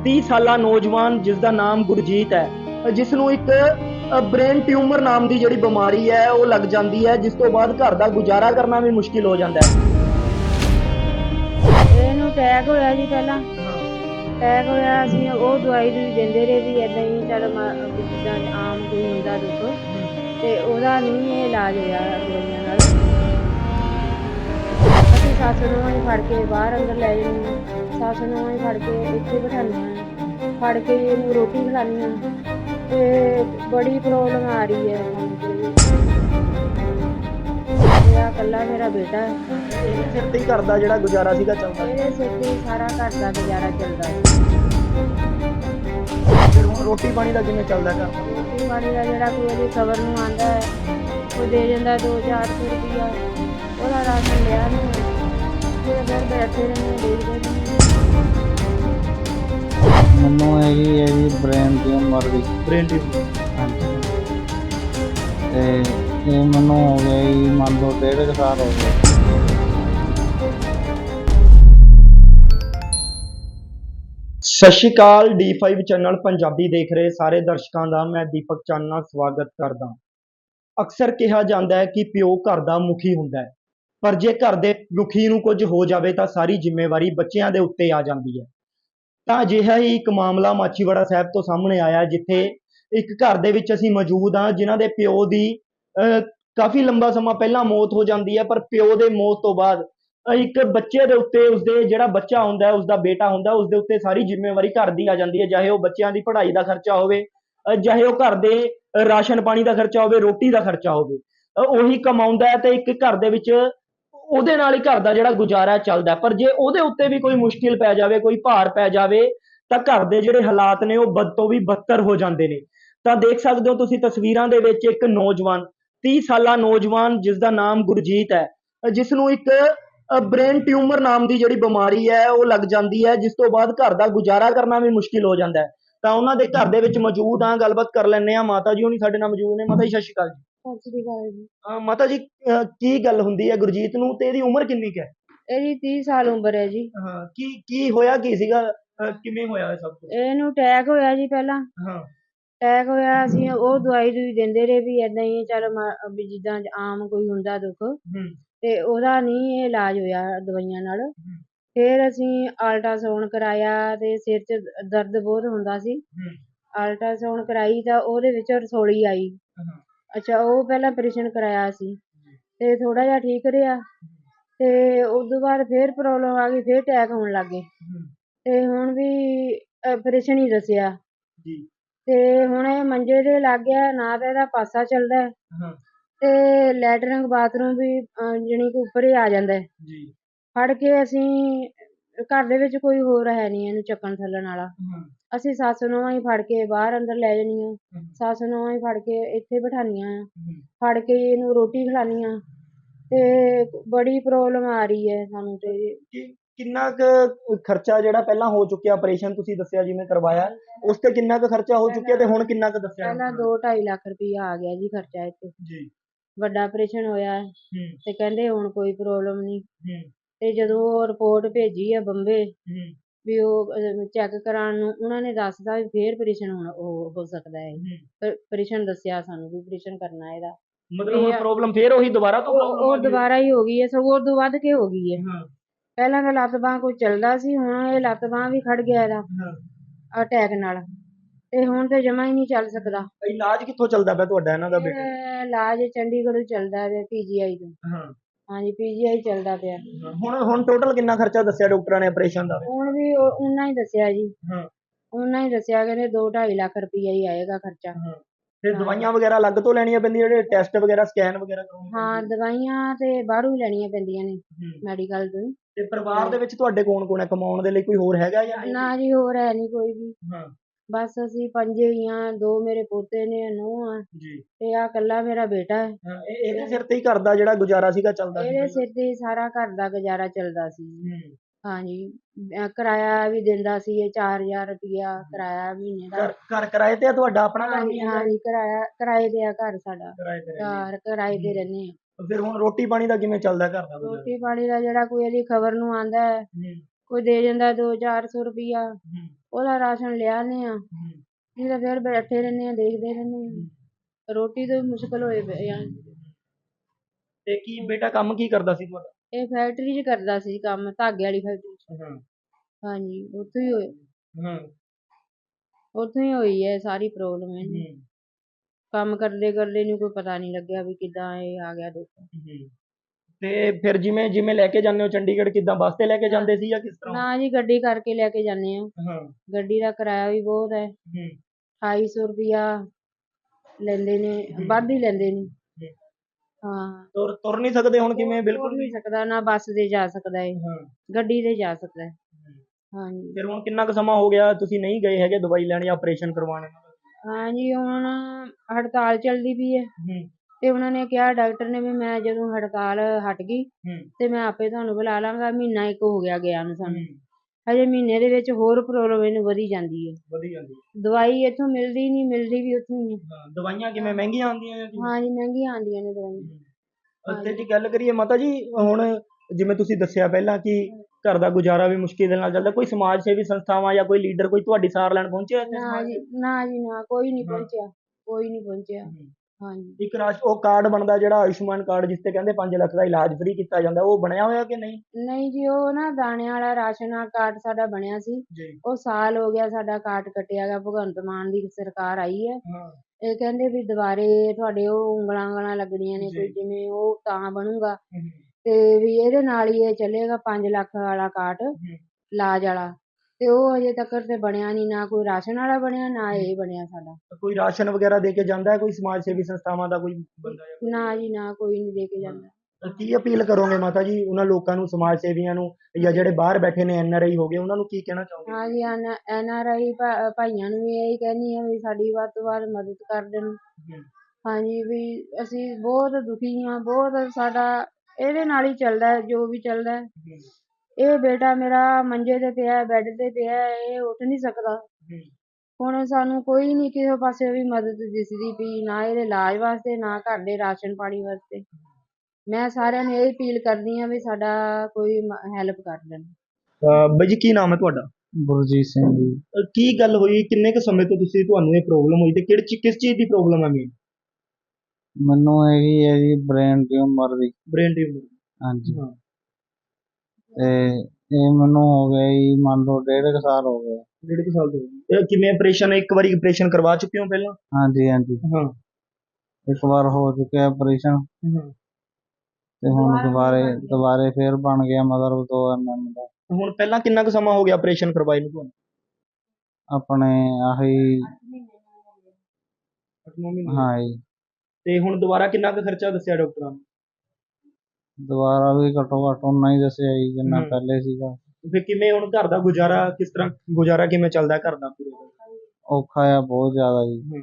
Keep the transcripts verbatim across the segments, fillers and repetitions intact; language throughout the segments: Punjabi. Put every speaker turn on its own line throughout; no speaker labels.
तीस साला नौजवान जिसका नाम गुरजीत है, जिसनों एक ब्रेन ट्यूमर नाम की जिहड़ी बीमारी है वो लग जाती है, जिस तो बाद घर का गुजारा करना भी मुश्किल हो जाता है।
ਇਹਨੂੰ ਅਟੈਕ ਹੋਇਆ ਜੀ ਪਹਿਲਾਂ ਅਟੈਕ ਹੋਇਆ ਅਸੀਂ ਉਹ ਦਵਾਈ ਦੂਈ ਦਿੰਦੇ ਰਹੇ ਵੀ ਏਦਾਂ ਹੀ ਚੱਲ ਮ- ਵੀ ਜਿੱਦਾਂ ਆਮ ਕੋਈ ਹੁੰਦਾ ਦੁੱਖ ਤੇ ਉਹਦਾ ਨਹੀਂ ਇਹ ਇਲਾਜ ਹੋਇਆ ਦਵਾਈਆਂ ਨਾਲ। ਅਸੀਂ ਸੱਸ ਨੂੰ ਹੀ ਫੜ ਕੇ ਬਾਹਰ ਅੰਦਰ ਲੈ ਜਾਂਦੇ ਹਾਂ, ਸੱਸ ਨੂੰ ਹੀ ਫੜ ਕੇ ਇੱਥੇ ਬਿਠਾਉਂਦੇ ਹਾਂ, ਫੜ ਕੇ ਇਹਨੂੰ ਰੋਟੀ ਖਿਲਾਉਂਦੇ ਹਾਂ ਤੇ ਬੜੀ ਪ੍ਰੋਬਲਮ ਆ ਰਹੀ ਹੈ ਸਾਨੂੰ ਤੇ। ਮੇਰਾ ਇਕੱਲਾ ਮੇਰਾ ਬੇਟਾ ਹੈ,
ਇਹਦੇ ਸਿਰ ਤੇ ਹੀ ਘਰ ਦਾ ਜਿਹੜਾ ਗੁਜ਼ਾਰਾ ਸੀਗਾ ਚੱਲਦਾ।
ਇਹਦੇ ਸਿਰ ਤੇ ਹੀ ਸਾਰਾ ਘਰ ਦਾ ਗੁਜ਼ਾਰਾ ਚੱਲਦਾ ਹੈ।
ਫਿਰ ਹੁਣ ਰੋਟੀ ਪਾਣੀ ਦਾ ਕਿਵੇਂ ਚੱਲਦਾ ਘਰ ਦਾ?
ਰੋਟੀ ਪਾਣੀ ਦਾ ਜਿਹੜਾ ਕੋਈ ਉਹਦੀ ਖਬਰ ਨੂੰ ਆਉਂਦਾ ਹੈ ਉਹ ਦੇ ਜਾਂਦਾ ਦੋ ਚਾਰ ਸੌ ਰੁਪਈਆ, ਉਹਦਾ ਰਾਸ਼ਨ ਲਿਆ ਨਹੀਂ ਫਿਰ ਫਿਰ ਬੈਠੇ ਰਹਿੰਦੇ ਦੇਖਦੇ
ਮੈਨੂੰ ਹੈਗੀ ਹੈ ਜੀ ਬ੍ਰੇਨ ਟਿਊਮਰ ਦੀ।
Brain tumour.
ਹਾਂਜੀ ਤੇ ਇਹ ਮੈਨੂੰ ਹੋ ਗਿਆ ਜੀ ਮੰਨ ਲਓ ਡੇਢ ਕੁ ਸਾਲ ਹੋ ਗਏ।
Sat Sri Akal, D five channel Punjabi ਦੇਖ ਰਹੇ ਸਾਰੇ ਦਰਸ਼ਕਾਂ ਦਾ ਮੈਂ ਦੀਪਕ ਚੰਦ ਨਾਲ ਸਵਾਗਤ ਕਰਦਾ। ਅਕਸਰ ਕਿਹਾ ਜਾਂਦਾ ਹੈ ਕਿ ਪਿਓ ਘਰ ਦਾ ਮੁਖੀ ਹੁੰਦਾ ਹੈ, ਪਰ ਜੇ ਘਰ ਦੇ ਮੁਖੀ ਨੂੰ ਕੁਝ ਹੋ ਜਾਵੇ ਤਾਂ ਸਾਰੀ ਜ਼ਿੰਮੇਵਾਰੀ ਬੱਚਿਆਂ ਦੇ ਉੱਤੇ ਆ ਜਾਂਦੀ ਹੈ। ਤਾਂ ਅਜਿਹਾ ਹੀ ਇੱਕ ਮਾਮਲਾ ਮਾਛੀਵਾੜਾ ਸਾਹਿਬ ਤੋਂ ਸਾਹਮਣੇ ਆਇਆ, ਜਿੱਥੇ ਇੱਕ ਘਰ ਦੇ ਵਿੱਚ ਅਸੀਂ ਮੌਜੂਦ ਹਾਂ ਜਿਨ੍ਹਾਂ ਦੇ ਪਿਓ ਦੀ ਅਹ, ਕਾਫੀ ਲੰਬਾ ਸਮਾਂ ਪਹਿਲਾਂ ਮੌਤ ਹੋ ਜਾਂਦੀ ਹੈ, ਪਰ ਪਿਓ ਦੇ ਮੌਤ ਤੋਂ ਬਾਅਦ ਅਹ, ਇੱਕ ਬੱਚੇ ਦੇ ਉੱਤੇ ਉਸਦੇ ਜਿਹੜਾ ਬੱਚਾ ਹੁੰਦਾ ਹੈ, ਉਸਦਾ ਬੇਟਾ ਹੁੰਦਾ, ਉਸਦੇ ਉੱਤੇ ਸਾਰੀ ਜ਼ਿੰਮੇਵਾਰੀ ਘਰ ਦੀ ਆ ਜਾਂਦੀ ਹੈ, ਚਾਹੇ ਉਹ ਬੱਚਿਆਂ ਦੀ ਪੜ੍ਹਾਈ ਦਾ ਖਰਚਾ ਹੋਵੇ, ਅਹ, ਚਾਹੇ ਉਹ ਘਰ ਦੇ ਅਹ, ਰਾਸ਼ਨ ਪਾਣੀ ਦਾ ਖਰਚਾ ਹੋਵੇ, ਰੋਟੀ ਦਾ ਖਰਚਾ ਹੋਵੇ। ਅਹ, ਉਹੀ ਕਮਾਉਂਦਾ ਹੈ ਤੇ ਇੱਕ ਘਰ ਦੇ ਵਿੱਚ ਉਹਦੇ ਨਾਲ ਹੀ ਘਰ ਦਾ ਜਿਹੜਾ ਗੁਜ਼ਾਰਾ ਚੱਲਦਾ। ਪਰ ਜੇ ਉਹਦੇ ਉੱਤੇ ਵੀ ਕੋਈ ਮੁਸ਼ਕਿਲ ਪੈ ਜਾਵੇ, ਕੋਈ ਭਾਰ ਪੈ ਜਾਵੇ, ਤਾਂ ਘਰ ਦੇ ਜਿਹੜੇ ਹਾਲਾਤ ਨੇ ਉਹ ਬਦ ਤੋਂ ਵੀ ਬਦਤਰ ਹੋ ਜਾਂਦੇ ਨੇ। ਤਾਂ ਦੇਖ ਸਕਦੇ ਹੋ ਤੁਸੀਂ ਤਸਵੀਰਾਂ ਦੇ ਵਿੱਚ ਇੱਕ ਨੌਜਵਾਨ, तीस साला नौजवान जिसका नाम गुरजीत है, जिसनों एक ब्रेन ट्यूमर नाम की जिहड़ी बीमारी है वो लग जाती है, जिस तो बाद घर का गुजारा करना भी मुश्किल हो जाता है। ਤਾਂ ਉਹਨਾਂ ਦੇ ਘਰ ਦੇ ਵਿੱਚ ਮੌਜੂਦ ਹਾਂ, ਗੱਲਬਾਤ ਕਰ ਲੈਂਦੇ ਹਾਂ। ਮਾਤਾ ਜੀ ਹੁਣੀ ਸਾਡੇ ਨਾਲ ਮੌਜੂਦ ਨੇ। ਮਾਤਾ ਜੀ ਸਤਿ ਸ਼੍ਰੀ ਅਕਾਲ ਜੀ।
ਸਤਿ ਸ੍ਰੀ ਅਕਾਲ ਜੀ।
ਅਹ ਮਾਤਾ ਜੀ, ਅਹ ਕੀ ਗੱਲ ਹੁੰਦੀ ਹੈ ਗੁਰਜੀਤ ਨੂੰ ਤੇ ਇਹਦੀ ਉਮਰ ਕਿੰਨੀ ਕੁ ਹੈ?
ਇਹਦੀ ਤੀਹ ਸਾਲ ਉਮਰ ਹੈ ਜੀ।
ਹਾਂ, ਕੀ ਕੀ ਹੋਇਆ ਕੀ ਸੀਗਾ? ਅਹ ਕਿਵੇਂ ਹੋਇਆ ਇਹ ਸਭ ਕੁਝ?
ਇਹਨੂੰ ਅਟੈਕ ਹੋਇਆ ਜੀ ਪਹਿਲਾਂ
ਹਾਂ।
ਅਟੈਕ ਹੋਇਆ ਅਸੀਂ ਉਹ ਦਵਾਈ ਦੂਈ ਦਿੰਦੇ ਰਹੇ ਵੀ ਏਦਾਂ ਹੀ ਚੱਲ ਮ- ਵੀ ਜਿੱਦਾਂ ਆਮ ਕੋਈ ਹੁੰਦਾ ਦੁੱਖ
ਹੂੰ।
ਤੇ ਉਹਦਾ ਨਹੀਂ ਇਹ ਇਲਾਜ ਹੋਇਆ ਦਵਾਈਆਂ ਨਾਲ। ਫਿਰ ਅਸੀਂ ਅਲਟਰਾਸਾਊਂਡ ਕਰਾਇਆ ਤੇ ਸਿਰ 'ਚ ਦਰਦ ਬਹੁਤ ਹੁੰਦਾ ਸੀ।
ਹੂੰ।
ਅਲਟਰਾਸਾਊਂਡ ਕਰਾਈ ਤਾਂ ਉਹਦੇ ਵਿੱਚ ਰਸੌਲੀ ਆਈ।
ਹਾਂ।
ਅੱਛਾ, ਉਹ ਪਹਿਲਾਂ ਆਪਰੇਸ਼ਨ ਕਰਾਇਆ ਸੀ ਤੇ ਥੋੜਾ ਜਿਹਾ ਠੀਕ ਰਿਹਾ ਤੇ ਉਸ ਤੋਂ ਬਾਅਦ ਫਿਰ ਪ੍ਰੋਬਲਮ ਆ ਗਈ, ਫਿਰ ਅਟੈਕ ਹੋਣ ਲੱਗ ਗਏ
ਹੂੰ।
ਤੇ ਹੁਣ ਵੀ ਆਪਰੇਸ਼ਨ ਹੀ ਦੱਸਿਆ
ਜੀ।
ਤੇ ਹੁਣ ਇਹ ਮੰਜੇ ਤੇ ਲੱਗ ਗਿਆ, ਨਾ ਤਾਂ ਇਹਦਾ ਪਾਸਾ ਚੱਲਦਾ ਹੈ
ਹਾਂ।
ਤੇ ਲੈਟਰਿੰਗ ਬਾਥਰੂਮ ਵੀ ਅਹ, ਜਾਣੀ ਕਿ ਉੱਪਰ ਹੀ ਆ ਜਾਂਦਾ ਹੈ।
ਜੀ।
ਫੜ ਕੇ ਅਸੀਂ ਘਰ ਦੇ ਵਿੱਚ ਕੋਈ ਹੋਰ ਹੈ ਨਹੀਂ ਇਹਨੂੰ ਚੱਕਣ ਥੱਲਣ ਵਾਲਾ।
ਹਾਂ।
ਅਸੀਂ ਸੱਸ ਨੂੰ ਹੀ ਫੜ ਕੇ ਬਾਹਰ ਅੰਦਰ ਲੈ ਜਾਂਦੀ ਹਾਂ,
ਹੂੰ।
ਸੱਸ ਨੂੰ ਹੀ ਫੜ ਕੇ ਇੱਥੇ ਬਿਠਾਉਂਦੀਆਂ ਹਾਂ,
ਹੂੰ।
ਫੜ ਕੇ ਇਹਨੂੰ ਰੋਟੀ ਖਿਲਾਉਂਦੀ ਹਾਂ ਤੇ ਬੜੀ ਪ੍ਰੋਬਲਮ ਆ ਰਹੀ ਹੈ ਸਾਨੂੰ ਤੇ।
ਕਿ- ਕਿੰਨਾ ਕੁ ਖਰਚਾ ਜਿਹੜਾ ਪਹਿਲਾਂ ਹੋ ਚੁੱਕਿਆ, ਆਪਰੇਸ਼ਨ ਤੁਸੀਂ ਦੱਸਿਆ ਜਿਵੇਂ ਕਰਵਾਇਆ, ਉਸ ਤੇ ਕਿੰਨਾ ਕੁ ਖਰਚਾ ਹੋ ਚੁੱਕਿਆ ਤੇ ਹੁਣ ਕਿੰਨਾ ਕੁ ਦੱਸਿਆ?
ਪਹਿਲਾਂ ਦੋ ਢਾਈ ਲੱਖ ਰੁਪਈਆ ਆ ਗਿਆ ਜੀ ਖਰਚਾ ਇੱਥੇ।
ਜੀ।
ਵੱਡਾ ਆਪਰੇਸ਼ਨ ਹੋਇਆ
ਹੂੰ।
ਤੇ ਕਹਿੰਦੇ ਹੁਣ ਕੋਈ ਪ੍ਰੋਬਲਮ ਨਹੀਂ।
ਹੂੰ।
ਤੇ ਜਦੋਂ ਰਿਪੋਰਟ ਭੇਜੀ ਆ ਬੰਬੇ
ਹੂੰ।
ਵੀ ਉਹ ਚੈੱਕ ਕਰਾਉਣ ਨੂੰ, ਉਹਨਾਂ ਨੇ ਦੱਸਦਾ ਵੀ ਫੇਰ ਆਪਰੇਸ਼ਨ ਹੁਣ ਉਹ ਹੋ ਸਕਦਾ ਹੈ।
ਹੂੰ।
ਆਪਰੇਸ਼ਨ ਦੱਸਿਆ ਸਾਨੂੰ ਵੀ ਆਪਰੇਸ਼ਨ ਕਰਨਾ ਇਹਦਾ।
ਮਤਲਬ ਹੁਣ ਪ੍ਰੋਬਲਮ ਫੇਰ ਉਹੀ ਦੁਬਾਰਾ ਤੋਂ
ਉਹ
ਪ੍ਰੋਬਲਮ
ਉਹ
ਆ ਗਈ?
ਦੁਬਾਰਾ ਹੀ ਹੋ ਗਈ ਹੈ, ਸਗੋਂ ਉਦੋਂ ਵੱਧ ਕੇ ਹੋ ਗਈ ਹੈ।
ਹਾਂ।
ਪਹਿਲਾਂ ਤਾਂ ਲੱਤ ਬਾਂਹ ਕੋਈ ਚੱਲਦਾ ਸੀ, ਹੁਣ ਇਹ ਲੱਤ ਬਾਂਹ ਵੀ ਖੜ ਗਿਆ ਇਹਦਾ
ਹਾਂ।
ਅਟੈਕ ਨਾਲ ਤੇ ਹੁਣ ਤੇ ਜਮਾ ਹੀ ਨਹੀਂ ਚੱਲ ਸਕਦਾ।
ਇਲਾਜ ਕਿੱਥੋਂ ਚੱਲਦਾ ਪਿਆ ਤੁਹਾਡਾ ਇਹਨਾਂ ਦਾ ਬੇਟਾ?
ਇਹ ਇਲਾਜ ਚੰਡੀਗੜ੍ਹੋਂ ਚੱਲਦਾ ਪਿਆ, ਪੀਜੀਆਈ ਤੋਂ।
ਹਾਂ।
ਹਾਂਜੀ, ਪੀਜੀਆਈ ਚੱਲਦਾ ਪਿਆ।
ਹੁਣ ਹੁਣ ਟੋਟਲ ਕਿੰਨਾ ਖਰਚਾ ਦੱਸਿਆ ਡਾਕਟਰਾਂ ਨੇ ਆਪਰੇਸ਼ਨ ਦਾ?
ਹੁਣ ਵੀ ਉਹਨਾਂ ਹੀ ਦੱਸਿਆ ਜੀ,
ਹਾਂ।
ਉਹਨਾਂ ਹੀ ਦੱਸਿਆ, ਕਹਿੰਦੇ ਦੋ ਢਾਈ ਲੱਖ ਰੁਪਈਆ ਹੀ ਆਏਗਾ ਖਰਚਾ।
ਹਾਂ। ਤੇ ਦਵਾਈਆਂ ਵਗੈਰਾ ਅਲੱਗ ਤੋਂ ਲੈਣੀਆਂ ਪੈਂਦੀਆਂ, ਜਿਹੜੇ ਟੈਸਟ ਵਗੈਰਾ ਸਕੈਨ ਵਗੈਰਾ ਕਰਾਉਣੇ
ਹਾਂ,
ਪੈਂਦੇ?
ਦਵਾਈਆਂ ਤੇ ਬਾਹਰੋਂ ਹੀ ਲੈਣੀਆਂ ਪੈਂਦੀਆਂ ਨੇ,
ਹੂੰ।
ਮੈਡੀਕਲ ਤੋਂ ਹੀ।
ਤੇ ਪਰਿਵਾਰ ਦੇ ਵਿੱਚ ਤੁਹਾਡੇ ਕੌਣ ਕੌਣ ਹੈ? ਕਮਾਉਣ ਦੇ ਲਈ ਕੋਈ ਹੋਰ ਹੈਗਾ ਜਾਂ ਨਹੀਂ?
ਨਾ ਜੀ, ਹੋਰ ਹੈ ਨਹੀਂ ਕੋਈ ਵੀ,
ਹਾਂ।
ਬਸ ਅਸੀਂ ਪੰਜੇ ਹੀ ਆ। ਦੋ ਮੇਰੇ ਪੋਤੇ ਨੇ, ਨੂੰਹ ਆ
ਜੀ।
ਤੇ ਆ ਇਕੱਲਾ ਮੇਰਾ ਬੇਟਾ ਹੈ।
ਹਾਂ, ਇਹ ਇਹਦੇ ਸਿਰ ਤੇ ਹੀ ਘਰ ਦਾ ਜਿਹੜਾ ਗੁਜ਼ਾਰਾ ਸੀਗਾ ਚੱਲਦਾ ਸੀ
ਇਹਦੇ
ਪਹਿਲਾਂ?
ਸਿਰ ਤੇ ਹੀ ਸਾਰਾ ਘਰ ਦਾ ਗੁਜ਼ਾਰਾ ਚੱਲਦਾ ਸੀ।
ਹੂੰ।
ਹਾਂਜੀ, ਅਹ ਕਿਰਾਇਆ ਵੀ ਦਿੰਦਾ ਸੀ ਇਹ, ਚਾਰ ਹਜ਼ਾਰ ਰੁਪਇਆ ਕਿਰਾਇਆ ਮਹੀਨੇ ਦਾ।
ਘਰ ਘਰ ਕਿਰਾਏ ਤੇ ਆ ਤੁਹਾਡਾ? ਆਪਣਾ ਘਰ ਨਹੀਂ
ਹਾਂਜੀ
ਹੈਗਾ?
ਹਾਂਜੀ, ਕਿਰਾਇਆ ਕਿਰਾਏ ਤੇ ਆ ਘਰ ਸਾਡਾ।
ਕਿਰਾਏ ਤੇ ਰਹਿੰਦੇ ਆ।
ਘਰ ਕਿਰਾਏ ਤੇ ਰਹਿੰਦੇ ਆ।
ਫਿਰ ਹੁਣ ਰੋਟੀ ਪਾਣੀ ਦਾ ਕਿਵੇਂ ਚੱਲਦਾ ਘਰ ਦਾ ਗੁਜ਼ਾਰਾ?
ਰੋਟੀ ਪਾਣੀ ਦਾ ਜਿਹੜਾ ਕੋਈ ਇਹਦੀ ਖਬਰ ਨੂੰ ਆਉਂਦਾ ਹੈ,
ਹੂੰ।
ਕੋਈ ਦੇ ਜਾਂਦਾ ਦੋ ਚਾਰ ਸੌ ਰੁਪਈਆ,
ਹੂੰ।
ਉਹਦਾ ਰਾਸ਼ਨ ਲਿਆ ਨੇ ਆ, ਨਹੀਂ ਤਾਂ ਫਿਰ ਬੈਠੇ ਰਹਿੰਦੇ ਆ, ਦੇਖਦੇ ਰਹਿੰਦੇ ਆ। ਰੋਟੀ ਤੋਂ ਵੀ ਮੁਸ਼ਕਲ ਹੋਏ ਪਏ ਆ।
ਤੇ ਕੀ ਬੇਟਾ ਕੰਮ ਕੀ ਕਰਦਾ ਸੀ ਤੁਹਾਡਾ?
ਇਹ ਫੈਕਟਰੀ 'ਚ ਕਰਦਾ ਸੀ ਕੰਮ, ਧਾਗੇ ਵਾਲੀ ਫੈਕਟਰੀ 'ਚ।
ਹਾਂ
ਹਾਂਜੀ, ਉੱਥੋਂ ਹੀ ਹੋਏ,
ਹਾਂ
ਉੱਥੋਂ ਹੀ ਹੋਈ ਹੈ ਸਾਰੀ ਪ੍ਰੋਬਲਮ ਇਹਨੂੰ। ਕੰਮ ਕਰਦੇ ਕਰਦੇ ਨੂੰ ਕੋਈ ਪਤਾ ਨਹੀਂ ਲੱਗਿਆ ਵੀ ਕਿੱਦਾਂ ਇਹ ਆ ਗਿਆ ਦੁੱਖ।
ਤੇ ਫਿਰ ਜਿਵੇਂ ਜਿਵੇਂ ਲੈ ਕੇ ਜਾਂਦੇ ਹੋ ਚੰਡੀਗੜ੍ਹ, ਕਿੱਦਾਂ ਬੱਸ ਤੇ ਲੈ ਕੇ ਜਾਂਦੇ ਸੀ ਜਾਂ ਕਿਸ ਤਰ੍ਹਾਂ?
ਨਾ ਜੀ, ਗੱਡੀ ਕਰਕੇ ਲੈ ਕੇ ਜਾਂਦੇ ਆ।
ਹਾਂ
ਗੱਡੀ ਦਾ ਕਿਰਾਇਆ ਵੀ ਬਹੁਤ ਹੈ,
ਹੂੰ
ਅਠਾਈ ਸੌ ਰੁਪਇਆ ਲੈਂਦੇ ਨੇ, ਵੱਧ ਹੀ ਲੈਂਦੇ ਨੇ। ਹਾਂ,
ਤੁਰ ਤੁਰ ਨਹੀਂ ਸਕਦੇ ਹੁਣ ਕਿਵੇਂ?
ਤੁਰ
ਬਿਲਕੁਲ
ਨਹੀਂ
ਵੀ।
ਸਕਦਾ, ਨਾ ਬੱਸ ਤੇ ਜਾ ਸਕਦਾ ਹੈ,
ਹਾਂ
ਗੱਡੀ ਤੇ ਜਾ ਸਕਦਾ ਹੈ। ਹਾਂਜੀ
ਫਿਰ ਹੁਣ ਕਿੰਨਾ ਕੁ ਸਮਾਂ ਹੋ ਗਿਆ ਤੁਸੀਂ ਨਹੀਂ ਗਏ ਹੈਗੇ ਦਵਾਈ ਲੈਣ ਜਾਂ ਆਪਰੇਸ਼ਨ ਕਰਵਾਉਣ?
ਹਾਂਜੀ, ਹੁਣ ਹੜਤਾਲ ਚੱਲਦੀ ਪਈ ਹੈ
ਹੂੰ
ਤੇ ਉਹਨਾਂ ਨੇ ਕਿਹਾ, ਡਾਕਟਰ ਨੇ, ਵੀ ਮੈਂ ਜਦੋਂ ਹੜਤਾਲ ਹਟ ਗਈ
ਹੂੰ
ਤੇ ਮੈਂ ਆਪੇ ਤੁਹਾਨੂੰ ਬੁਲਾ ਲਾਂਗਾ। ਮਹੀਨਾ ਇੱਕ ਹੋ ਗਿਆ ਗਿਆ ਨੂੰ ਸਾਨੂੰ,
ਹੂੰ
ਹਜੇ ਮਹੀਨੇ ਦੇ ਵਿੱਚ ਹੋਰ ਪ੍ਰੋਬਲਮ ਇਹਨੂੰ ਵਧੀ ਜਾਂਦੀ ਹੈ।
ਵਧੀ ਜਾਂਦੀ ਹੈ।
ਦਵਾਈ ਇੱਥੋਂ ਮਿਲਦੀ ਨਹੀਂ, ਮਿਲਦੀ ਵੀ ਉੱਥੋਂ ਹੀ ਹੈ।
ਹਾਂ, ਦਵਾਈਆਂ ਕਿਵੇਂ ਮਹਿੰਗੀਆਂ ਆਉਂਦੀਆਂ ਜਾਂ ਕਿਵੇਂ?
ਹਾਂਜੀ, ਮਹਿੰਗੀਆਂ ਆਉਂਦੀਆਂ ਨੇ ਦਵਾਈਆਂ।
ਹੂੰ। ਤੇ ਜੇ ਗੱਲ ਕਰੀਏ ਮਾਤਾ ਜੀ, ਹੁਣ ਜਿਵੇਂ ਤੁਸੀਂ ਦੱਸਿਆ ਪਹਿਲਾਂ ਕਿ ਘਰ ਦਾ ਗੁਜ਼ਾਰਾ ਵੀ ਮੁਸ਼ਕਿਲ ਦੇ ਨਾਲ ਚੱਲਦਾ, ਕੋਈ ਸਮਾਜ ਸੇਵੀ ਸੰਸਥਾਵਾਂ ਜਾਂ ਕੋਈ ਲੀਡਰ ਕੋਈ ਤੁਹਾਡੀ ਸਾਰ ਲੈਣ ਪਹੁੰਚਿਆ ਇੱਥੇ?
ਨਾ
ਸਮਾਜ
ਜੀ,
ਸੇਵੀ?
ਨਾ ਜੀ, ਨਾ, ਕੋਈ ਨਹੀਂ
ਹਾਂ।
ਪਹੁੰਚਿਆ, ਕੋਈ ਨਹੀਂ ਪਹੁੰਚਿਆ।
ਹੂੰ।
ਹਾਂਜੀ,
ਇੱਕ ਰਾਸ਼ ਉਹ ਕਾਰਡ ਬਣਦਾ ਜਿਹੜਾ ਆਯੁਸ਼ਮਾਨ ਕਾਰਡ, ਜਿਸ ਤੇ ਕਹਿੰਦੇ ਪੰਜ ਲੱਖ ਦਾ ਇਲਾਜ ਫ੍ਰੀ ਕੀਤਾ ਜਾਂਦਾ, ਉਹ ਬਣਿਆ ਹੋਇਆ ਕਿ ਨਹੀਂ?
ਨਹੀਂ ਜੀ, ਉਹ ਨਾ ਦਾਣੇ ਵਾਲਾ ਰਾਸ਼ਨ ਕਾਰਡ ਸਾਡਾ ਬਣਿਆ ਸੀ,
ਜੀ।
ਉਹ ਸਾਲ ਹੋ ਗਿਆ ਸਾਡਾ ਕਾਰਡ ਕੱਟਿਆ ਗਿਆ। ਭਗਵੰਤ ਮਾਨ ਦੀ ਸਰਕਾਰ ਆਈ ਹੈ,
ਹਾਂ
ਇਹ ਕਹਿੰਦੇ ਵੀ ਦੁਬਾਰੇ ਤੁਹਾਡੇ ਉਹ ਉਂਗਲਾਂ ਉਂਗਲਾਂ ਲੱਗਣੀਆਂ ਨੇ, ਕੋਈ
ਜੀ।
ਜਿਵੇਂ ਉਹ ਤਾਂ ਬਣੂਗਾ
ਹੂੰ
ਤੇ ਵੀ ਇਹਦੇ ਨਾਲ ਹੀ ਇਹ ਚੱਲੇਗਾ, ਪੰਜ ਲੱਖ ਵਾਲਾ ਕਾਰਡ
ਹੂੰ
ਇਲਾਜ ਵਾਲਾ। ਤੇ ਉਹ ਹਜੇ ਤੱਕ ਤੇ ਬਣਿਆ ਨਹੀਂ, ਨਾ ਕੋਈ ਰਾਸ਼ਨ ਵਾਲਾ ਬਣਿਆ, ਨਾ ਇਹ ਬਣਿਆ ਸਾਡਾ।
ਕੋਈ ਰਾਸ਼ਨ ਵਗੈਰਾ ਦੇ ਕੇ ਜਾਂਦਾ ਹੈ ਕੋਈ ਸਮਾਜ ਸੇਵੀ ਸੰਸਥਾਵਾਂ ਦਾ ਕੋਈ ਬੰਦਾ ਜਾਂ ਕੋਈ?
ਨਾ ਜੀ, ਨਾ, ਕੋਈ ਨਹੀਂ ਦੇ ਕੇ ਜਾਂਦਾ।
ਤਾਂ ਕੀ ਅਪੀਲ ਕਰੋਗੇ ਮਾਤਾ ਜੀ ਉਹਨਾਂ ਲੋਕਾਂ ਨੂੰ, ਸਮਾਜ ਸੇਵੀਆਂ ਨੂੰ, ਜਾਂ ਜਿਹੜੇ ਬਾਹਰ ਬੈਠੇ ਨੇ ਐਨ ਆਰ ਆਈ ਹੋ ਗਏ, ਉਹਨਾਂ ਨੂੰ ਕੀ ਕਹਿਣਾ ਚਾਹੋਗੇ?
ਹਾਂ ਜੀ, ਐਨ ਆਰ ਆਈ ਭਾਈਆਂ ਨੂੰ ਵੀ ਇਹੀ ਕਹਿੰਦੀ ਆ ਵੀ ਸਾਡੀ ਵੱਧ ਤੋਂ ਵੱਧ ਮਦਦ ਕਰ ਦੇਣ।
ਹੂੰ
ਹਾਂਜੀ, ਵੀ ਅਸੀਂ ਬਹੁਤ ਦੁਖੀ ਹਾਂ, ਬਹੁਤ ਸਾਡਾ ਇਹਦੇ ਨਾਲ ਹੀ ਚੱਲਦਾ ਹੈ, ਜੋ ਵੀ ਚੱਲਦਾ ਹੈ।
ਹੂੰ
ਇਹ ਬੇਟਾ ਮੇਰਾ ਮੰਜੇ ਤੇ ਪਿਆ, ਬੈੱਡ ਤੇ ਪਿਆ, ਇਹ ਉੱਠ ਨਹੀਂ ਸਕਦਾ।
ਹੂੰ
ਹੁਣ ਸਾਨੂੰ ਕੋਈ ਨਹੀਂ ਕਿਸੇ ਪਾਸੇ ਵੀ ਮਦਦ ਦਿਸਦੀ ਪਈ, ਨਾ ਇਹਦੇ ਇਲਾਜ ਵਾਸਤੇ, ਨਾ ਘਰ ਦੇ ਰਾਸ਼ਨ ਪਾਣੀ ਵਾਸਤੇ। ਮੈਂ ਸਾਰਿਆਂ ਨੂੰ ਇਹ ਅਪੀਲ ਕਰਦੀ ਹਾਂ ਵੀ ਸਾਡਾ ਕੋਈ ਹੈਲਪ ਕਰ ਦੇਣ।
ਬਾਈ ਜੀ, ਕੀ ਨਾਮ ਹੈ ਤੁਹਾਡਾ?
ਗੁਰਜੀਤ ਸਿੰਘ ਜੀ।
ਅਹ ਕੀ ਗੱਲ ਹੋਈ, ਕਿੰਨੇ ਕੁ ਸਮੇਂ ਤੋਂ ਤੁਸੀਂ ਤੁਹਾਨੂੰ ਇਹ ਪ੍ਰੋਬਲਮ ਹੋਈ ਤੇ ਕਿਹੜੀ ਚੀ- ਕਿਸ ਚੀਜ਼ ਦੀ ਪ੍ਰੋਬਲਮ ਹੈ? ਮੇਨ
ਮੈਨੂੰ ਇਹੀ ਹੈ ਜੀ, ਬ੍ਰੇਨ ਟਿਊਮਰ ਦੀ।
Brain tumour.
ਹਾਂਜੀ,
ਹਾਂ
ਤੇ ਇਹ ਮੈਨੂੰ ਹੋ ਗਿਆ ਜੀ, ਮੰਨ ਲਓ ਡੇਢ ਕੁ ਸਾਲ ਹੋ ਗਿਆ।
ਡੇਢ ਕੁ ਸਾਲ ਤੋਂ। ਇਹ ਕਿਵੇਂ ਆਪਰੇਸ਼ਨ, ਇੱਕ ਵਾਰੀ ਆਪਰੇਸ਼ਨ ਕਰਵਾ ਚੁੱਕੇ ਹੋ ਪਹਿਲਾਂ?
ਹਾਂਜੀ ਹਾਂਜੀ,
ਹਾਂ
ਇੱਕ ਵਾਰ ਹੋ ਚੁੱਕਿਆ ਆਪਰੇਸ਼ਨ,
ਹਾਂ।
ਤੇ ਹੁਣ ਦੁਬਾਰੇ ਦੁਬਾਰੇ ਫੇਰ ਬਣ ਗਿਆ, ਮਤਲਬ ਦੋ ਐਮ ਐਮ ਦਾ।
ਹੁਣ ਪਹਿਲਾਂ ਕਿੰਨਾ ਕੁ ਸਮਾਂ ਹੋ ਗਿਆ ਆਪਰੇਸ਼ਨ ਕਰਵਾਏ ਨੂੰ ਤੁਹਾਨੂੰ?
ਆਪਣੇ ਆਹੀ,
ਅੱਠ ਨੌਂ ਮਹੀਨੇ।
ਹਾਂ ਜੀ।
ਤੇ ਹੁਣ ਦੁਬਾਰਾ ਕਿੰਨਾ ਕੁ ਖਰਚਾ ਦੱਸਿਆ ਡਾਕਟਰਾਂ ਨੇ?
ਦੁਬਾਰਾ ਵੀ ਘੱਟੋ ਘੱਟ ਉਨਾ ਹੀ ਦੱਸਿਆ ਜੀ ਜਿੰਨਾ
ਹੂੰ।
ਪਹਿਲੇ ਸੀਗਾ।
ਫਿਰ ਕਿਵੇਂ ਹੁਣ ਘਰ ਦਾ ਗੁਜ਼ਾਰਾ, ਕਿਸ ਤਰ੍ਹਾਂ ਗੁਜ਼ਾਰਾ ਕਿਵੇਂ ਚੱਲਦਾ ਘਰ ਦਾ ਪੂਰੇ ਦਾ?
ਔਖਾ ਆ ਬਹੁਤ ਜ਼ਿਆਦਾ ਜੀ।
ਹੂੰ।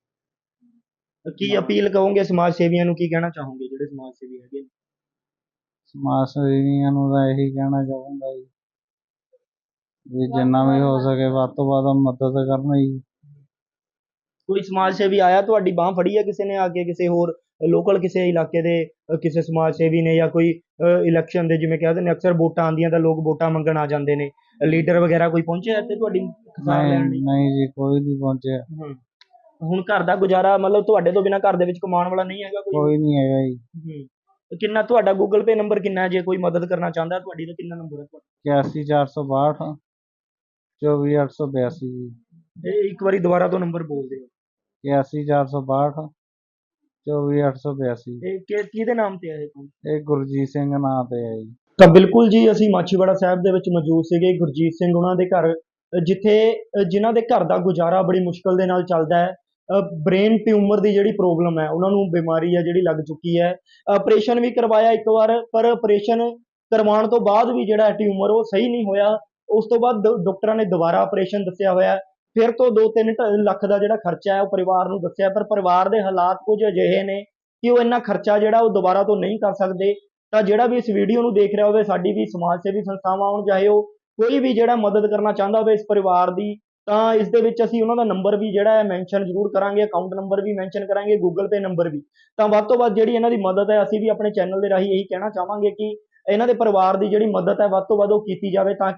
ਕੀ ਅਪੀਲ ਕਹੋਗੇ ਸਮਾਜ ਸੇਵੀਆਂ ਨੂੰ, ਕੀ ਕਹਿਣਾ ਚਾਹੋਗੇ ਜਿਹੜੇ ਸਮਾਜ ਸੇਵੀ ਹੈਗੇ?
ਸਮਾਜ ਸੇਵੀਆਂ ਨੂੰ ਤਾਂ ਇਹੀ ਕਹਿਣਾ ਚਾਹੂੰਗਾ ਜੀ ਵੀ ਜਿੰਨਾ ਵੀ ਹੋ ਸਕੇ ਵੱਧ ਤੋਂ ਵੱਧ ਮਦਦ ਕਰਨ ਜੀ।
ਕੋਈ ਸਮਾਜ ਸੇਵੀ ਆਇਆ, ਤੁਹਾਡੀ ਬਾਂਹ ਫੜੀ ਹੈ ਕਿਸੇ ਨੇ ਆ ਕੇ, ਕਿਸੇ ਹੋਰ ਲੋਕਲ ਕਿਸੇ ਇਲਾਕੇ ਦੇ ਅਹ ਕਿਸੇ ਸਮਾਜ ਸੇਵੀ ਨੇ, ਜਾਂ ਕੋਈ ਇਲੈਕਸ਼ਨ ਦੇ, ਜਿਵੇਂ ਕਹਿੰਦੇ ਨੇ ਅਕਸਰ ਵੋਟਾਂ ਆਉਂਦੀਆਂ ਤਾਂ ਲੋਕ ਵੋਟਾਂ ਮੰਗਣ ਆ ਜਾਂਦੇ ਨੇ, ਲੀਡਰ ਵਗੈਰਾ ਕੋਈ ਪਹੁੰਚਿਆ ਇੱਥੇ ਤੁਹਾਡੀ ਸਾਰ ਲੈਣ ਲਈ?
ਨਹੀਂ ਨਹੀਂ ਜੀ, ਕੋਈ ਨਹੀਂ ਪਹੁੰਚਿਆ।
ਹੂੰ। ਹੁਣ ਘਰ ਦਾ ਗੁਜ਼ਾਰਾ, ਮਤਲਬ ਤੁਹਾਡੇ ਤੋਂ ਬਿਨਾਂ ਘਰ ਦੇ ਵਿੱਚ ਕਮਾਉਣ ਵਾਲਾ ਨਹੀਂ ਹੈਗਾ ਕੋਈ?
ਕੋਈ ਨਹੀਂ ਹੈਗਾ ਜੀ।
ਹੂੰ। ਕਿੰਨਾ ਤੁਹਾਡਾ ਗੂਗਲ ਪੇ ਨੰਬਰ ਕਿੰਨਾ ਹੈ, ਜੇ ਕੋਈ ਮਦਦ ਕਰਨਾ ਚਾਹੁੰਦਾ ਤੁਹਾਡੀ ਤਾਂ ਕਿੰਨਾ ਨੰਬਰ ਹੈ ਤੁਹਾਡਾ?
ਇਕਿਆਸੀ ਚਾਰ ਸੌ ਬਾਹਠ ਚੌਵੀ ਅੱਠ ਸੌ ਬਿਆਸੀ ਜੀ।
ਇਹ ਇੱਕ ਵਾਰੀ ਦੁਬਾਰਾ ਤੋਂ ਨੰਬਰ ਬੋਲ ਦਿਓ।
ਇਕਿਆਸੀ ਚਾਰ ਸੌ ਬਾਹਠ ਚੌਵੀ ਅੱਠ ਸੌ ਬਿਆਸੀ।
ਇਹ ਕਿ- ਕਿਹਦੇ ਨਾਮ ਤੇ ਹੈ ਇਹ?
ਇਹ ਗੁਰਜੀਤ ਸਿੰਘ ਨਾਂ ਤੇ ਹੈ ਜੀ।
ਤਾਂ ਬਿਲਕੁਲ ਜੀ, ਅਸੀਂ ਮਾਛੀਵਾੜਾ ਸਾਹਿਬ ਦੇ ਵਿੱਚ ਮੌਜੂਦ ਸੀਗੇ ਗੁਰਜੀਤ ਸਿੰਘ ਉਹਨਾਂ ਦੇ ਘਰ, ਅ ਜਿੱਥੇ ਅ ਜਿਨ੍ਹਾਂ ਦੇ ਘਰ ਦਾ ਗੁਜ਼ਾਰਾ ਬੜੀ ਮੁਸ਼ਕਲ ਦੇ ਨਾਲ ਚੱਲਦਾ ਹੈ। ਬ੍ਰੇਨ ਟਿਊਮਰ ਦੀ ਜਿਹੜੀ ਪ੍ਰੋਬਲਮ ਹੈ, ਉਹਨਾਂ ਨੂੰ ਬਿਮਾਰੀ ਹੈ ਜਿਹੜੀ ਲੱਗ ਚੁੱਕੀ ਹੈ। ਆਪਰੇਸ਼ਨ ਵੀ ਕਰਵਾਇਆ ਇੱਕ ਵਾਰ, ਪਰ ਆਪਰੇਸ਼ਨ ਕਰਵਾਉਣ ਤੋਂ ਬਾਅਦ ਵੀ ਜਿਹੜਾ ਟਿਊਮਰ ਉਹ ਸਹੀ ਨਹੀਂ ਹੋਇਆ। ਉਸ ਤੋਂ ਬਾਅਦ ਡ- ਡਾਕਟਰਾਂ ਨੇ ਦੁਬਾਰਾ ਆਪਰੇਸ਼ਨ ਦੱਸਿਆ ਹੋਇਆ। ਫਿਰ ਤੋਂ ਦੋ ਤਿੰਨ ਢ- ਲੱਖ ਦਾ ਜਿਹੜਾ ਖਰਚਾ ਹੈ ਉਹ ਪਰਿਵਾਰ ਨੂੰ ਦੱਸਿਆ, ਪਰ ਪਰਿਵਾਰ ਦੇ ਹਾਲਾਤ ਕੁਝ ਅਜਿਹੇ ਨੇ ਕਿ ਉਹ ਇੰਨਾ ਖਰਚਾ ਜਿਹੜਾ ਉਹ ਦੁਬਾਰਾ ਤੋਂ ਨਹੀਂ ਕਰ ਸਕਦੇ। ਤਾਂ ਜਿਹੜਾ ਵੀ ਇਸ ਵੀਡੀਓ ਨੂੰ ਦੇਖ ਰਿਹਾ ਹੋਵੇ, ਸਾਡੀ ਵੀ ਸਮਾਜ ਸੇਵੀ ਸੰਸਥਾਵਾਂ ਹੋਣ, ਚਾਹੇ ਉਹ ਕੋਈ ਵੀ ਜਿਹੜਾ ਮਦਦ ਕਰਨਾ ਚਾਹੁੰਦਾ ਹੋਵੇ ਇਸ ਪਰਿਵਾਰ ਦੀ, ਤਾਂ ਇਸ ਦੇ ਵਿੱਚ ਅਸੀਂ ਉਹਨਾਂ ਦਾ ਨੰਬਰ ਵੀ ਜਿਹੜਾ ਹੈ ਮੈਂਸ਼ਨ ਜ਼ਰੂਰ ਕਰਾਂਗੇ, ਅਕਾਊਂਟ ਨੰਬਰ ਵੀ ਮੈਂਸ਼ਨ ਕਰਾਂਗੇ, ਗੂਗਲ ਪੇ ਨੰਬਰ ਵੀ। ਤਾਂ ਵੱਧ ਤੋਂ ਵੱਧ ਜਿਹੜੀ ਇਹਨਾਂ ਦੀ ਮਦਦ ਹੈ, ਅਸੀਂ ਵੀ ਆਪਣੇ ਚੈਨਲ ਦੇ ਰਾਹੀਂ ਇਹੀ ਕਹਿਣਾ ਚਾਹਾਂਗੇ ਕਿ ਇਹਨਾਂ ਦੇ ਪਰਿਵਾਰ ਦੀ ਜਿਹੜੀ ਮਦਦ ਹੈ ਵੱਧ ਤੋਂ ਵੱਧ ਉਹ ਕੀਤੀ ਜਾਵੇ, ਤਾਂ ਕਿ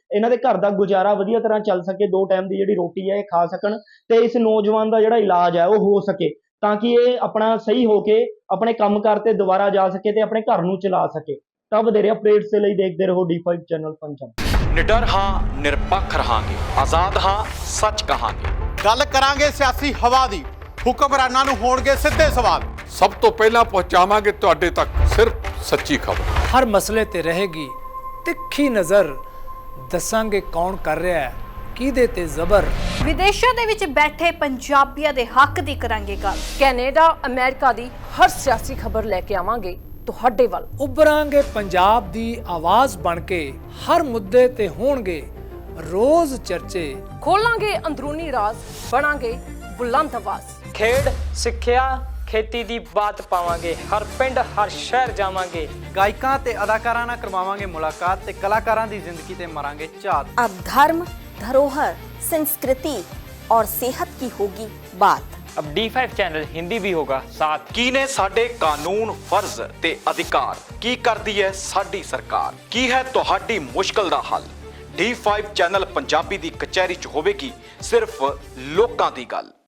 ਇਹਨਾਂ ਦੇ ਘਰ ਦਾ ਗੁਜ਼ਾਰਾ ਵਧੀਆ ਤਰ੍ਹਾਂ ਚੱਲ ਸਕੇ, ਦੋ ਟਾਈਮ ਦੀ ਜਿਹੜੀ ਰੋਟੀ ਹੈ ਇਹ ਖਾ ਸਕਣ ਤੇ ਇਸ ਨੌਜਵਾਨ ਦਾ ਜਿਹੜਾ ਇਲਾਜ ਹੈ ਉਹ ਹੋ ਸਕੇ, ਤਾਂ ਕਿ ਇਹ ਆਪਣਾ ਸਹੀ ਹੋ ਕੇ ਆਪਣੇ ਕੰਮਕਾਰ ਤੇ ਦੁਬਾਰਾ ਜਾ ਸਕੇ ਤੇ ਆਪਣੇ ਘਰ ਨੂੰ ਚਲਾ ਸਕੇ। ਤਾਂ ਵਧੇਰੇ ਅਪਡੇਟਸ ਦੇ ਲਈ ਦੇਖਦੇ ਰਹੋ ਡੀ ਫਾਈਵ ਚੈਨਲ ਪੰਜਾਬ।
ਨਿਡਰ ਹਾਂ, ਨਿਰਪੱਖ ਰਹਾਂਗੇ, ਆਜ਼ਾਦ ਹਾਂ, ਸੱਚ ਕਹਾਂਗੇ।
ਗੱਲ ਕਰਾਂਗੇ ਸਿਆਸੀ ਹਵਾ ਦੀ, ਹੁਕਮਰਾਨਾਂ ਨੂੰ ਹੋਣਗੇ ਸਿੱਧੇ ਸਵਾਲ।
ਸਭ ਤੋਂ ਪਹਿਲਾਂ ਪਹੁੰਚਾਵਾਂਗੇ ਤੁਹਾਡੇ ਤੱਕ ਸਿਰਫ ਸੱਚੀ ਖਬਰ।
ਹਰ ਮਸਲੇ ਤੇ ਰਹੇਗੀ ਤਿੱਖੀ ਨਜ਼ਰ, ਦੱਸਾਂਗੇ ਕੌਣ ਕਰ ਰਿਹਾ ਹੈ ਕਿਹਦੇ ਤੇ ਜ਼ਬਰ।
ਵਿਦੇਸ਼ਾਂ ਦੇ ਵਿੱਚ ਬੈਠੇ ਪੰਜਾਬੀਆਂ ਦੇ ਹੱਕ ਦੀ ਕਰਾਂਗੇ ਗੱਲ।
ਕੈਨੇਡਾ ਅਮਰੀਕਾ ਦੀ ਹਰ ਸਿਆਸੀ ਖਬਰ ਲੈ ਕੇ ਆਵਾਂਗੇ ਤੁਹਾਡੇ ਵੱਲ।
ਉਭਰਾਂਗੇ ਪੰਜਾਬ ਦੀ ਆਵਾਜ਼ ਬਣ ਕੇ, ਹਰ ਮੁੱਦੇ ਤੇ ਹੋਣਗੇ ਰੋਜ਼ ਚਰਚੇ।
ਖੋਲਾਂਗੇ ਅੰਦਰੂਨੀ ਰਾਜ਼, ਬਣਾਂਗੇ ਬੁਲੰਦ ਆਵਾਜ਼।
ਖੇਡ, ਸਿੱਖਿਆ, ਖੇਤੀ ਦੀ ਬਾਤ ਪਾਵਾਂਗੇ, ਹਰ ਪਿੰਡ ਹਰ ਸ਼ਹਿਰ ਜਾਵਾਂਗੇ।
ਗਾਇਕਾਂ ਤੇ ਅਦਾਕਾਰਾਂ ਨਾਲ ਕਰਵਾਵਾਂਗੇ ਮੁਲਾਕਾਤ ਤੇ ਕਲਾਕਾਰਾਂ ਦੀ ਜ਼ਿੰਦਗੀ ਤੇ ਮਾਰਾਂਗੇ ਝਾਤ।
अब धर्म, धरोहर, संस्कृति और सेहत की होगी बात।
अब डी फाइव चैनल हिंदी भी होगा साथ।
ਕੀ ਨੇ ਸਾਡੇ ਕਾਨੂੰਨ, ਫਰਜ਼ ਤੇ ਅਧਿਕਾਰ? ਕੀ ਕਰਦੀ ਹੈ ਸਾਡੀ ਸਰਕਾਰ? ਕੀ ਹੈ ਤੁਹਾਡੀ ਮੁਸ਼ਕਲ ਦਾ ਹੱਲ? ਡੀ ਫਾਈਵ ਚੈਨਲ ਪੰਜਾਬੀ ਦੀ ਕਚਹਿਰੀ 'ਚ ਹੋਵੇਗੀ ਸਿਰਫ ਲੋਕਾਂ ਦੀ ਗੱਲ।